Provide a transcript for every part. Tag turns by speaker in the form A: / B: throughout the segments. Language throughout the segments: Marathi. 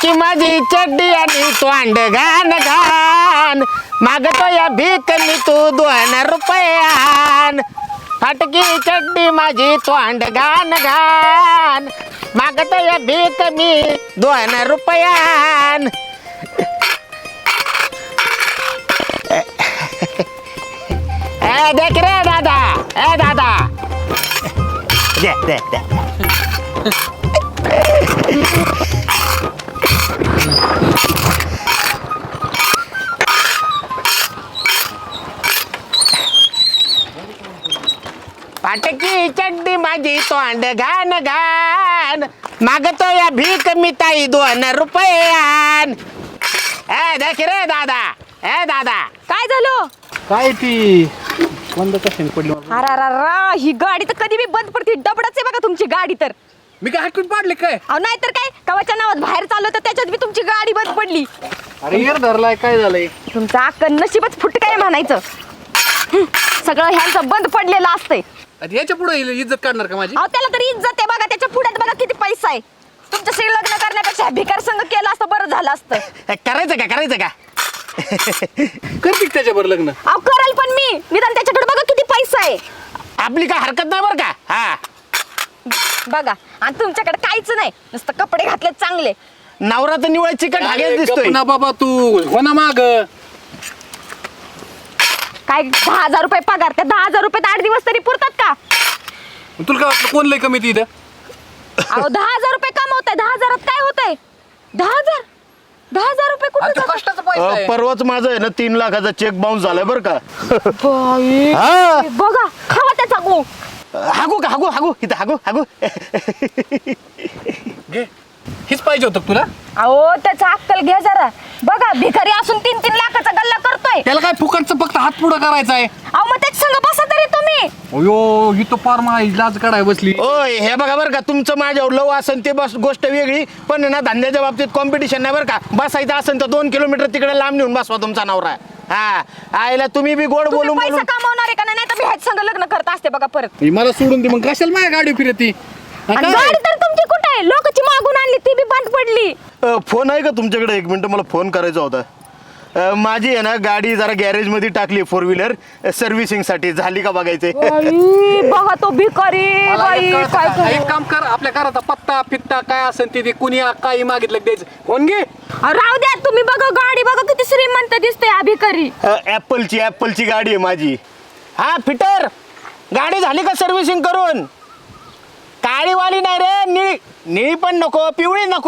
A: फाटकी माझी चड्डी आणि तोंड घाण घाण मागतो या भीक मी तू 2 रुपयान फाटकी चड्डी माझी तोंड घाण घाण मागतो या भीक मी 2 रुपयान देख रे दादा दादा दे दे दे फाटकी चड्डी माझी तोंड घाण घाण मागतो या भीक मी ताई 2 रुपयान देख रे दादा दादा
B: काय झालं?
C: काय ती बंद कशाने पडली
B: अरा ही गाडी तर कधी बी बंद पडते. डबडच आहे बघा तुमची गाडी तर.
C: मी काय हाकून पाडले काय?
B: अहो नाही तर काय कवाच्या नावात बाहेर चाललो तर त्याच्यात बी तुमची गाडी बंद पडली.
C: अरे यार धरलाय काय झालंय?
B: तुमचं अक्कल नशीबच फुट काय म्हणायचं. सगळं ह्यांचं बंद पडलेलं असतंय.
C: याच्या पुढे इज्जत काढणार का माझी?
B: अहो त्याला तरी इज्जत आहे बघा. त्याच्या पुढ्यात बघा किती पैसा आहे. तुमच्याशी लग्न करण्यापेक्षा भिकार संघ केलं असतं बरं झालं असतं.
A: करायचं का
C: करते त्याच्यावर लग्न?
B: अहो कराल पण मी निदान त्याच्याकडे बघा किती पैसा आहे.
A: आपली काय हरकत नाही बरं का हा
B: बघा आणि तुमच्याकडे काहीच नाही नुसतं कपडे घातले चांगले.
A: नवरा तर निवळ चिकट हागेच दिसतोय
C: ना बाबा तू हो ना माग.
B: काय 10,000 रुपये पगार त्या 10,000 रुपयात 8 दिवस तरी पुरतात का?
C: तुला काय वाटलं कोण लय कमी ती इथं?
B: अहो 10,000 रुपये कमवताय 10,000 काय होतंय? 10,000 रुपये कुठे
C: आणि तो कष्टाचा पैसा आहे.
A: परवाच माझं आहे ना 3 लाखाचा चेक बाउन्स झालाय बरं का
B: बघा खावा त्याचा गो.
A: हागू इथं हागू
C: घे हीच पाहिजे होतं का तुला?
B: अहो त्याचा अक्कल घ्या जरा. बघा भिकारी असून 3-3 लाखाचा गल्ला करतोय.
C: त्याला काय फुकटचं फक्त हात पुढं करायचा आहे?
B: अहो मग त्याच संग बसा तरी तुम्ही.
C: अयो ही तो फार माझी लाज काढाय बसली.
A: ओय हे बघा बरं का तुमचं माझ्यावर लव असेल ते बस गोष्ट वेगळी पण ना धंद्याच्या बाबतीत कॉम्पिटिशन नाही बरं का. बसायचं असेल तर 2 किलोमीटर तिकडे लांब नेऊन बसवा तुमचा नवरा. हा आईला तुम्ही बी गोड
B: तुम्ही
A: बोलून
B: पैसा कमावणार आहे का नाही तर मी ह्याच संग लग्न करत असते बघा परत.
C: ही मला सोडून दे मग कशाला माझ्या गाडी फिरती?
B: आणि गाडी तर तुमची कुठे आहे? लोकांची मागून आणली ती बी बंद पडली.
A: फोन आहे का तुमच्याकडे? 1 मिनिट मला फोन करायचा होता. माझी आहे ना गाडी जरा गॅरेज मध्ये टाकली 4 व्हीलर सर्व्हिसिंग साठी. झाली का बघायचंय?
B: बघा तो भिकारी बाई काय
C: एक काम कर आपल्या घराचा पत्ता फित्ता काय असेल ते कुणी काही मागितलं की द्यायचं. फोन घे.
B: राहू द्या तुम्ही. बघा गाडी बघा किती श्रीमंत दिसते हा भिकारी.
A: ऍपलची गाडी आहे माझी. हा फिटर गाडी झाली का सर्व्हिसिंग करून? काळीवाली नाही रे निळी पण नको पिवळी नको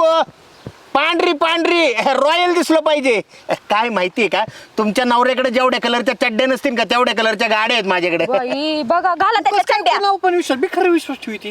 A: पांढरी रॉयल दिसलं पाहिजे. काय माहितीये का तुमच्या नवऱ्याकडे जेवढ्या कलरच्या चड्ड्या नसतील का तेवढ्या कलरच्या गाड्या आहेत माझ्याकडे.
B: बाई बघा घाला त्याच्या चंड्या.
C: नाव पण विश्वास मी खरं विश्वास ठेवते.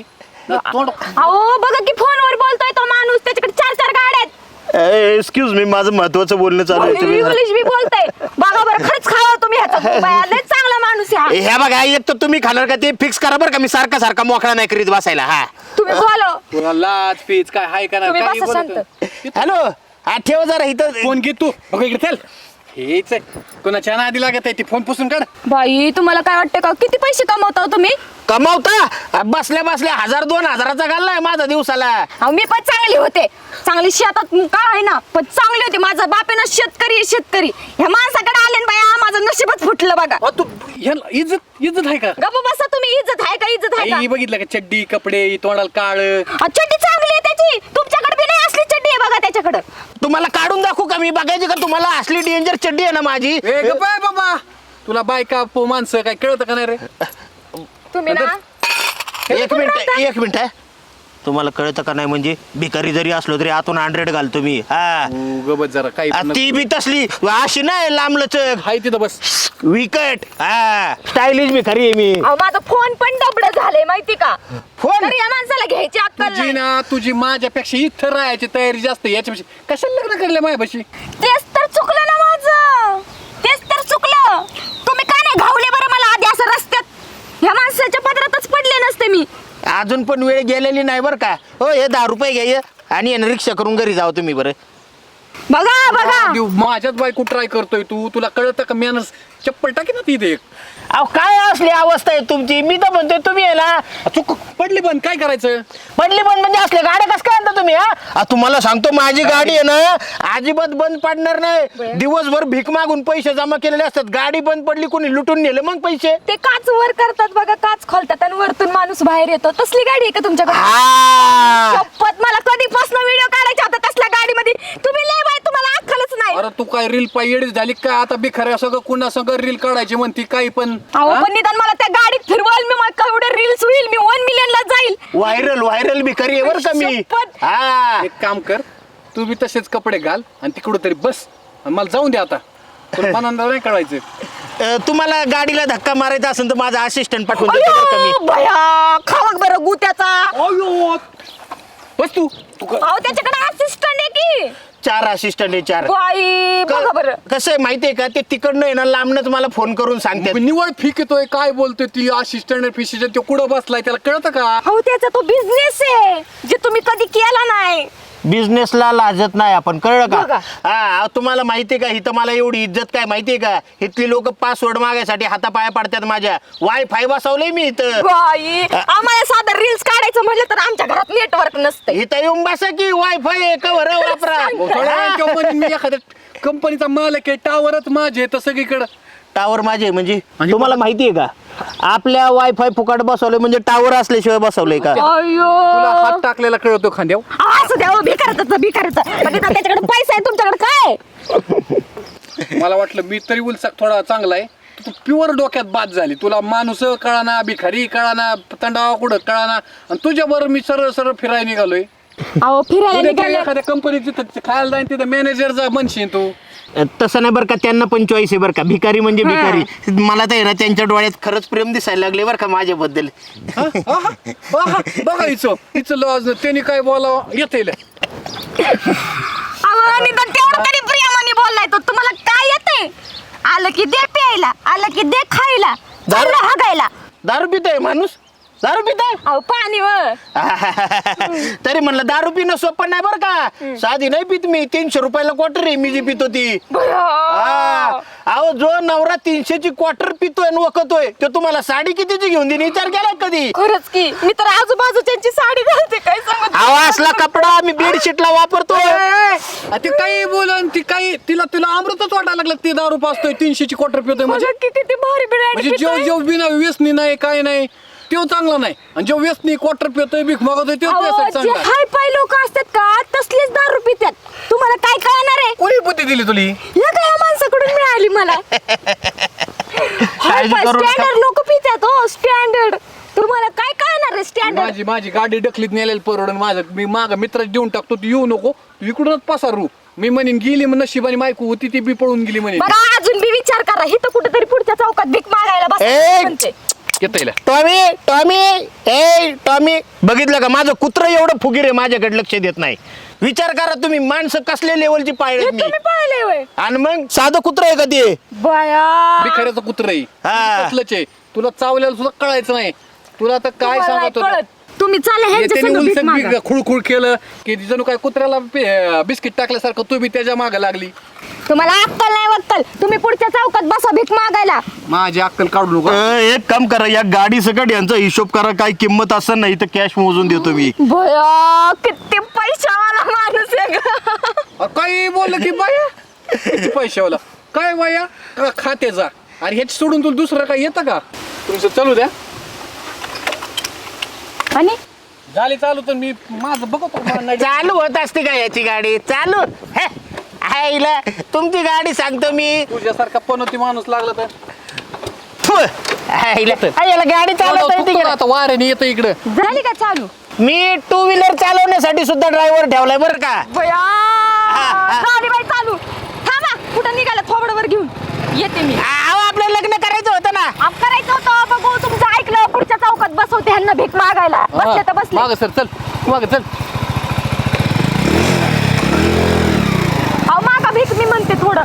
B: अहो बघा की फोनवर बोलतोय तो माणूस. त्याच्याकडे 4 गाड्या आहेत.
A: एक्सक्यूज मी माझं महत्वाचं बोलणं चालू आहे. तुम्ही
B: इंग्लिश बी बोलतोय. बघा बरं खरंच खावा तुम्ही ह्याचा. लय चांगला माणूस आहे हा.
A: ह्या बघा एक तर तुम्ही खाणार का ते फिक्स करा बरं का. मी सारखा मोकळा नाही करीत बसायला. हा
B: तुम्ही बोलो.
C: तुला लाज पीच काय हाय का
B: तुम्ही
C: नाही?
B: बसा शांत.
A: हॅलो हा ठेव जरा इथं.
C: फोन घे तू. बघ इकडे चल. हेच आहे कोणाच्या नादी लागत आहे ती. फोन पुसून काढ.
B: बाई तुम्हाला काय वाटतं का किती पैसे कमवता हो तुम्ही?
A: कमावता बसल्या 1,000-2,000चा घाललाय माझा दिवसाला.
B: अहो मी पण चांगली होते. चांगली शेतात काय आहे ना पण चांगली होती. माझा बाप आहे ना शेतकरी. ह्या माणसाकडे आले ना बाया माझं नशीबच फुटलं बघा.
C: तू ह्याला इज्जत आहे का?
B: गप्प बसा तुम्ही. इज्जत आहे का?
C: आई बघितलं का चड्डी कपडे तोंडाला काळ.
B: चड्डी चांगली आहे त्याची. तुमच्याकडे बी नाही असली चड्डी आहे बघा त्याच्याकडे.
A: तुम्हाला काढून दाखवू का मी? बघायची का तुम्हाला? असली डेंजर चड्डी आहे ना माझी.
C: ए गप्प आहे बाबा. तुला बायका माणसं काय कळतं का नाही रे?
B: तुम्ही ना
A: एक मिनिट आहे. तुम्हाला कळतं का नाही म्हणजे भिकारी जरी असलो तरी आतून 100 घालतो मी. हा
C: गबत जरा काही
A: ती बी तसली अशी नाही लांबलचक
C: हाय तिथं बस.
A: विकट. हा स्टायलिश भिकारी आहे मी.
B: अहो माझा फोन पण डबड झाले माहिती का?
A: फोन
B: तर या माणसाला घ्यायची अक्कल
C: तुझी
B: नाही.
C: ना तुझी माझ्यापेक्षा इथं राहायची तयारी जास्त. याच्यापेक्षा कशाला लग्न करले माझ्यापाशी?
B: तेच तर चुकलं ना माझं. तेच तर चुकलं. तुम्ही का नाही घावले बरं मला आधी असं रस्त्यात? ह्या माणसाच्या पदरातच पडले नसते मी.
A: अजून पण वेळ गेलेली नाही बरं का. हो हे 10 रुपये घ्या आणि यानं रिक्षा करून घरी जाऊ तुम्ही बरं.
B: बघा
C: माझ्याच बायको ट्राय करतोय तू. तुला कळतं का? मॅनर्स चप्पल टाकी ना तिथे एक.
A: अहो काय असली अवस्था आहे तुमची? मी तर म्हणतोय तुम्ही याला
C: चुक पडली बंद, काय करायचं?
A: पडली बंद म्हणजे असल्या गाड्या कसं काय आणता तुम्ही? हा तुम्हाला सांगतो माझी गाडी आहे ना अजिबात बंद पडणार नाही. दिवसभर भीक मागून पैसे जमा केलेले असतात. गाडी बंद पडली कोणी लुटून नेलं मग पैसे.
B: ते काच वर करतात बघा, काच खोलतात आणि वरतून माणूस बाहेर येतो. तसली गाडी आहे का तुमच्याकडे?
A: हा
B: शपथ, मला कधीपासून व्हिडिओ काढायचा होता तसल्या गाडीमध्ये. तुम्ही लय बाय, तुम्हाला अक्कलच नाही.
C: अरे तू काय रील पायडीच झाली काय? आता बिखऱ्या सगळं कुणा सगळं रील काढायची म्हणती काही पण.
B: अहो
C: हा?
B: पण निदान मला त्या गाडीत फिरवाल, मी मग केवढे रील्स होईल, मी 1 million ला जाईल.
A: व्हायरल भिकारी आहे बरं का मी.
B: शपथ.
A: हा
C: एक काम कर, तू बी तसेच कपडे घाल आणि तिकडं तरी बस आणि मला जाऊन दे आता. तुला मनांना नाही कळायचं.
A: तुम्हाला गाडीला धक्का मारायचा असेल तर माझा असिस्टंट पाठवून देतो बरं का मी.
B: अयो, भया खावक बरं गुत्याचा.
C: अयो बस तू
B: अहो त्याच्याकडे असिस्टंट आहे की.
A: 4 असिस्टंट आहे 4.
B: बाई बघा बरं.
A: कसं आहे माहितीये का ते तिकडनं आहे ना लांबनच मला फोन करून सांगते.
C: निवड फिक येतोय, काय बोलतोय ती असिस्टंट फिशिस्टंट तो कुठं बसलाय त्याला कळतं का?
B: अहो त्याचा तो बिझनेस आहे जे तुम्ही कधी केला नाही.
A: बिझनेसला लाजत नाही आपण, कळलं
B: बघा.
A: का? हा तुम्हाला माहितीये का इथं मला एवढी इज्जत काय माहितीये का? इथली लोक पासवर्ड मागायसाठी हातापाया पडतात माझ्या. वायफाय बसवलंय मी इथं.
B: बाई आम्हाला साधं रील्स काढायचं म्हटलं तर आमच्या घरात नेटवर्क नसतं.
A: इथं येऊन बसा की वायफाय कवर वापरा.
C: थोड्या वेळाने तेव्हा म्हणेन मी एखाद्या कंपनीचा मालक आहे, टावरच माझे आहे तर सगळीकडं.
A: टावर माझे म्हणजे
C: आणि
A: तुम्हाला माहितीये का आपल्या वायफाय फुकट बसवलंय म्हणजे टावर असल्याशिवाय बसवलंय का?
C: तुला हात
B: अयो
C: टाकलेला कळतो खांद्यावर.
B: असं द्या भिकारचं म्हणजे त्याच्याकडे पैसा आहे, तुमच्याकडे काय?
C: मला वाटलं मी तरी उलसा थोडा चांगला आहे. तू प्युअर डोक्यात बाद झाली. तुला माणूस कळाना, भिखारी कळाना, तंडावा कुठं कळाना आणि तुझ्याबरोबर मी सरळ सरळ फिरायला निघालोय.
B: अहो फिरायला
C: उद्या
B: निघाले.
C: एखाद्या कंपनीत तिथं खायला जाईन तिथं मॅनेजरचा म्हणशील तू.
A: तसं नाही बरं का, त्यांना पण चॉईस आहे बरं का. भिकारी म्हणजे भिकारी. मला तर आहे ना त्यांच्या डोळ्यात खरंच प्रेम दिसायला लागले बरं का माझ्याबद्दल.
C: बघा हिचं लॉज त्यांनी काय बोलावं येते.
B: अहो निदान तेवढं तरी प्रियमाने बोललाय तो. तुम्हाला काय येते? आलं की दे प्यायला, आलं की दे खायला, चाललं हागायला.
A: दारू पितोय माणूस, दारू पितोय.
B: अहो पाणी व
A: तरी म्हणलं दारू पिणं सोपं नाही बरं का. साधी नाही पित मी. 300 रुपयाला क्वार्टर आहे मी जी पितो ती. हा. अहो जो नवरा 300 ची क्वार्टर पितोय आणि वखतोय तो तुम्हाला साडी कितीची घेऊन देईन विचार केला कधी?
B: खरंच की मी तर आजूबाजूच्यांची साडी घालते, काय सांगत.
A: अहो असला कपडा मी बेडशीटला वापरतोय.
C: ती काही बोलन ती काही तिला अमृतच वाटायला लागलं. ती दारू पाचतोय 300 ची क्वार्टर पितोय म्हणजे
B: किती भारी
C: म्हणजे जेव बिना व्यसनी नाही काय नाही तो चांगला नाही. आणि जो व्यसनी क्वार्टर पितोय भीक मागतोय तो त्यासाठी चांगला.
B: हाय पाय लोक असतात का तसलेच दारू पितात. तुम्हाला काय कळणार आहे?
C: कोणी बुद्धी दिली तुली?
B: या काय माणसाकडून मिळाली मला. हाय पाय
A: करू नका.
B: स्टँडर्ड लोक पितात. हो स्टँडर्ड. तुम्हाला काय कळणार आहे स्टँडर्ड?
C: माझी गाडी डकलीत नेलेली परवडून माझं मी माग मित्राला देऊन टाकतो. तू येऊ नको, तू इकडूनच पसारू. मी म्हणेन गेली मग नशिबाने मायकू होती ती बी पळून गेली म्हणे.
B: बघा अजून बी विचार करा. इथं कुठेतरी पुढच्या चौकात भीक मागायला
A: ए!
B: बस.
C: येता
A: टॉमी बघितलं का माझं कुत्रं एवढं फुगीर आहे माझ्याकडे लक्ष देत नाही. विचार करा तुम्ही माणसं कसल्या लेवलची पाळले मी.
B: तुम्ही पाहिले होय?
A: आणि मग साधं कुत्रं आहे का ते?
B: बया
C: भिखाऱ्याचं कुत्र
A: हा.
C: कसलंच आहे. तुला चावल्याला सुद्धा कळायचं नाही. तुला तर काय
B: तुम्हाला नाही
C: सांगत होतो.
B: कळत. तुम्ही चालले ह्यांच्या
C: त्याने
B: संग भीक मागा.
C: उलसक खुळखुळ केलं की जणू काय कुत्र्याला बिस्किट टाकल्यासारखं तू बी त्याच्या मागे लागली.
B: तुम्हाला अक्कल नाही वक्कल. तुम्ही पुढच्या चौकात बसा भीक मागायला.
C: माझी अक्कल काढू नको.
A: एक काम करा या गाडी सकट यांचा हिशोब करा. काय किंमत असं नाही तर कॅश मोजून देतो मी.
B: बया किती पैशावाला माणूस आहे ग.
C: काही बोललं की बाया किती पैशावाला काय बाया का खात्याचा. अरे ह्याच सोडून तुला दुसरं काय येतं का? तुमचं चालू द्या.
B: आणि
C: झाली चालू तर मी माझं बघतो.
A: चालू होत असते का याची गाडी चालू? हे, आईला तुमची गाडी सांगतो मी.
C: तुझ्यासारखा पनोती माणूस लागला तर
A: फु, याला गाडी चालवता येते का?
C: आता वाऱ्याने येतं इकडं.
B: झाली का चालू?
A: मी 2 व्हीलर चालवण्यासाठी सुद्धा ड्रायव्हर ठेवलाय बरं का.
B: बया
A: हा.
B: गाडी बाई चालू. थांबा कुठं निघाला थोबडवर घेऊन येते मी.
A: अहो आपलं लग्न करायचं होतं ना.
B: आप करायचं होतं बघू तुमचं ऐकलं. पुढच्या चौकात बसवते ह्यांना भीक मागायला. बसले तर बसले.
C: माग सर चल माग चल.
B: अहो मागा भीक मी म्हणते थोडं.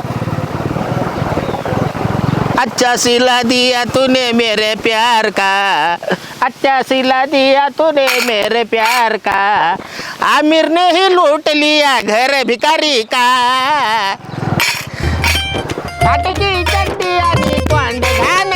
A: अच्छा सिला दिया तूने मेरे प्यार का, अच्छा सिला दिया तूने मेरे प्यार का, आमिर ने ही लूट लिया घर भिकारी का, फाटकी चड्डी आणि कोंड घाल